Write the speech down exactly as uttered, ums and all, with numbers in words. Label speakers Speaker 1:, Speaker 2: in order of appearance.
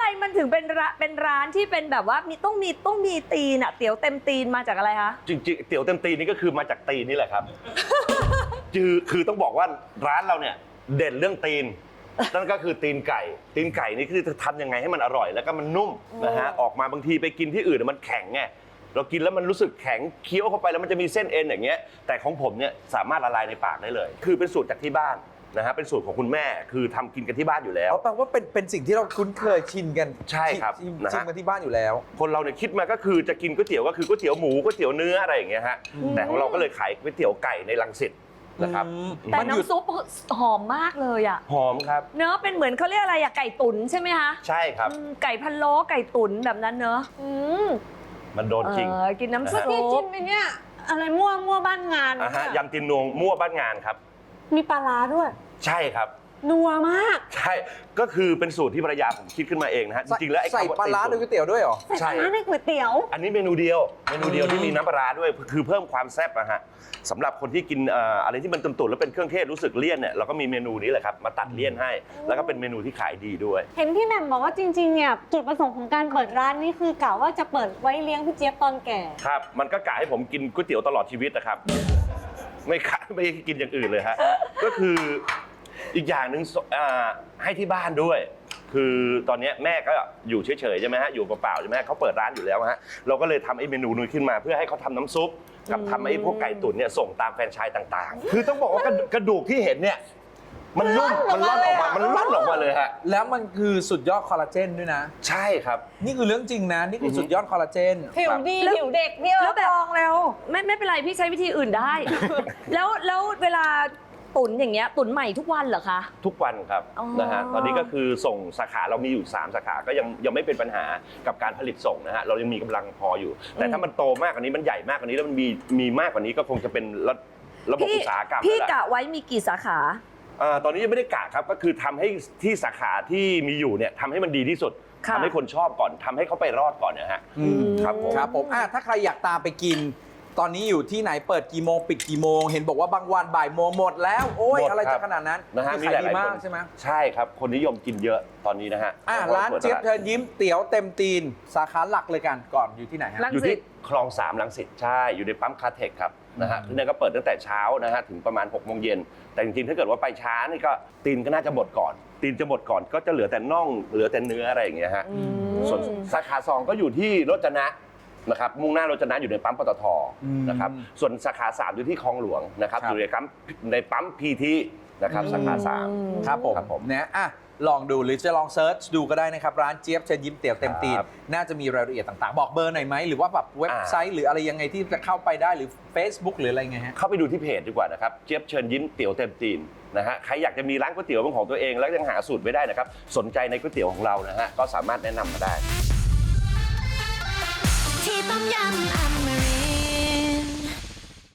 Speaker 1: มันถึงเป็นร้านเป็นร้านที่เป็นแบบว่ามีต้องมีต้องมีตีนอะเตี๋ยวเต็มตีนมาจากอะไรคะ
Speaker 2: จริงๆเตี๋ยวเต็มตีนนี่ก็คือมาจากตีนนี่แหละครับ คือคือต้องบอกว่าร้านเราเนี่ยเด่นเรื่องตีนนั่นก็คือตีนไก่ตีนไก่นี่คือจะทำยังไงให้มันอร่อยแล้วก็มันนุ่มนะฮะออกมาบางทีไปกินที่อื่นมันแข็งไงเรากินแล้วมันรู้สึกแข็งเคี้ยวเข้าไปแล้วมันจะมีเส้นเอ็นอย่างเงี้ยแต่ของผมเนี่ยสามารถละลายในปากได้เลยคือเป็นสูตรจากที่บ้านนะฮะเป็นสูตรของคุณแม่คือทำกินกันที่บ้านอยู่แล้ว
Speaker 3: เอาแปลว่าเป็นเป็นสิ่งที่เราคุ้นเคยชินกัน
Speaker 2: ใช่ครับ
Speaker 3: ชิน
Speaker 2: นะฮะ
Speaker 3: ชินกันที่บ้านอยู่แล้ว
Speaker 2: คนเราเนี่ยคิดมาก็คือจะกินก๋วยเตี๋ยวก็คือก๋วยเตี๋ยวหมูก๋วยเตี๋ยวเนื้ออะไรอย่างเงี้ยฮะแต่ของเราก็เลยขายก๋วยเตี๋ยวไก่ในรังสิตนะครับ
Speaker 1: แต่น้ำซุปหอมมากเลยอะ
Speaker 2: หอมครับ
Speaker 1: เนื้อเป็นเหมือนเขาเรียกอะไรอะไก่ตุ๋นใช่ไหมคะ
Speaker 2: ใช่ครับ
Speaker 1: ไก่พะโล้ไก่ตุ๋นแบบนั้นเนอะ
Speaker 2: มันโดนจริง
Speaker 1: กินน้ำซุป
Speaker 4: ที่จิ้มไปเนี่ยอะไรมั่วมั่วบ้านงาน
Speaker 2: อ่ะฮะยำตีนนวงมั่วบ้านงานครับ
Speaker 4: มีปลาร้าด้วย
Speaker 2: ใช่ครับ
Speaker 4: นัวมาก
Speaker 2: ใช่ก็คือเป็นสูตรที่ภรรยาผมคิดขึ้นมาเองนะฮะจริงๆแล้วไอ้
Speaker 3: ใส่ปลาร้าในก๋วยเตี๋ยวด้วยเหรอ
Speaker 4: ใส่ปลาร้าในก๋วยเตี๋ยว
Speaker 2: อันนี้เมนูเดียวเมนูเดียวที่มีน้ำปลาร้าด้วยคือเพิ่มความแซ่บนะฮะสำหรับคนที่กินอะไรที่มันตุ่นๆแล้วเป็นเครื่องเทศรู้สึกเลี่ยนเนี่ยเราก็มีเมนูนี้แหละครับมาตัดเลี่ยนให้แล้วก็เป็นเมนูที่ขายดีด้วย
Speaker 4: เห็นพี่แหม่มบอกว่าจริงๆเนี่ยจุดประสงค์ของการเปิดร้านนี่คือกะว่าจะเปิดไว้เลี้ยงพี่เจี๊ยบตอนแก่
Speaker 2: ครับมันก็กะให้ผมกินก๋วยเตี๋ยวตลอดชีวิตนะครับไม่ขายไม่กินอย่างอื่นเลยฮะก็คืออีกอย่างหนึ่งให้ที่บ้านด้วยคือตอนนี้แม่ก็อยู่เฉยๆใช่ไหมฮะอยู่เปล่าๆใช่ไหมฮะเขาเปิดร้านอยู่แล้วฮะเราก็เลยทำไอ้เมนูนี้ขึ้นมาเพื่อให้เขาทำน้ำซุปกับทำไอ้พวกไก่ตุ๋นเนี่ยส่งตามแฟรนไชส์ต่างๆคือต้องบอกว่ากระดูกที่เห็นเนี่ยมันนุ่มมันร่อนออกมามันร่อนออกมาเลยฮะ
Speaker 3: แล้วมันคือสุดยอดคอลลาเจนด้วยนะ
Speaker 2: ใช่ครับ
Speaker 3: นี่คือเรื่องจริงนะนี่คือสุดยอดคอลลาเจน
Speaker 4: ผิวดีผิวเด็กพี่เออลองแล้ว
Speaker 1: ไม่ไม่เป็นไรพี่ใช้วิธีอื่นได้ แล้วแล้วเวลาตุ๋นอย่างเงี้ยตุ๋นใหม่ทุกวันเหรอคะ
Speaker 2: ทุกวันครับนะฮะตอนนี้ก็คือส่งสาขาเรามีอยู่สามสาขาก็ยังยังไม่เป็นปัญหากับการผลิตส่งนะฮะเรายังมีกำลังพออยู่แต่ถ้ามันโตมากกว่านี้มันใหญ่มากกว่านี้แล้วมันมีมีมากกว่านี้ก็คงจะเป็นระระบบอุตสาหกรรม
Speaker 1: พี่กะไว้มีกี่สาขา
Speaker 2: ตอนนี้ยังไม่ได้กะครับก็คือทำให้ที่สาขาที่มีอยู่เนี่ยทำให้มันดีที่สุดทำให้คนชอบก่อนทำให้เขาไปรอดก่อนนะฮะครับผม
Speaker 3: ครับผมถ้าใครอยากตามไปกินตอนนี้อยู่ที่ไหนเปิดกี่โมงปิดกี่โมงเห็นบอกว่าบางวันบ่ายโมงหมดแล้วโอ้ยอะไรจะขนาดนั้น
Speaker 2: นะฮะมีหลายดีมาก
Speaker 3: ใช่ไหม
Speaker 2: ใช่ครับคนนิยมกินเยอะตอนนี้นะฮะ
Speaker 3: ร้านเจี๊ยบเชิญยิ้มเตี๋ยวเต็มตีนสาขาหลักเลยกันก่อนอยู่ที่ไหนฮะ
Speaker 2: อยู่ที่คลองสามรังสิตใช่อยู่ในปั๊มคาเทคครับนะฮะที่นั่นก็เปิดตั้งแต่เช้านะฮะถึงประมาณหกโมงเย็นแต่จริงๆถ้าเกิดว่าไปช้านี่ก็ตีนก็น่าจะหมดก่อนตีนจะหมดก่อนก็จะเหลือแต่น่องเหลือแต่เนื้ออะไรอย่างเงี้ยฮะส่วนสาขาสองก็อยู่ที่รจนะนะครับมุ่งหน้ารจนะอยู่ในปั๊มปตทนะครับส่วนสาขาสามอยู่ที่คลองหลวงนะครับอยู่ในปั๊มในปั๊มพีทีนะครับสาขาสาม
Speaker 3: ครับผมผมนะอ่ะลองดูหรือจะลองเซิร์ชดูก็ได้นะครับร้านเจี๊ยบเชิญยิ้มเตี๋ยวเต็มตีนน่าจะมีรายละเอียดต่างๆบอกเบอร์หน่อยไหมหรือว่าแบบเว็บไซต์หรืออะไรยังไงที่จะเข้าไปได้หรือ Facebook หรืออะไรไงฮะ
Speaker 2: เข้าไปดูที่เพจดีกว่านะครับเจี๊ยบเชิญยิ้มเตี๋ยวเต็มตีนนะฮะใครอยากจะมีร้านก๋วยเตี๋ยวเป็นของตัวเองแล้วยังหาสูตรไม่ได้นะครับสนใจในก๋วยเตี๋ยวของเรานะฮะก็สามารถแนะนำมาได้ที่ต้มยำอเมริ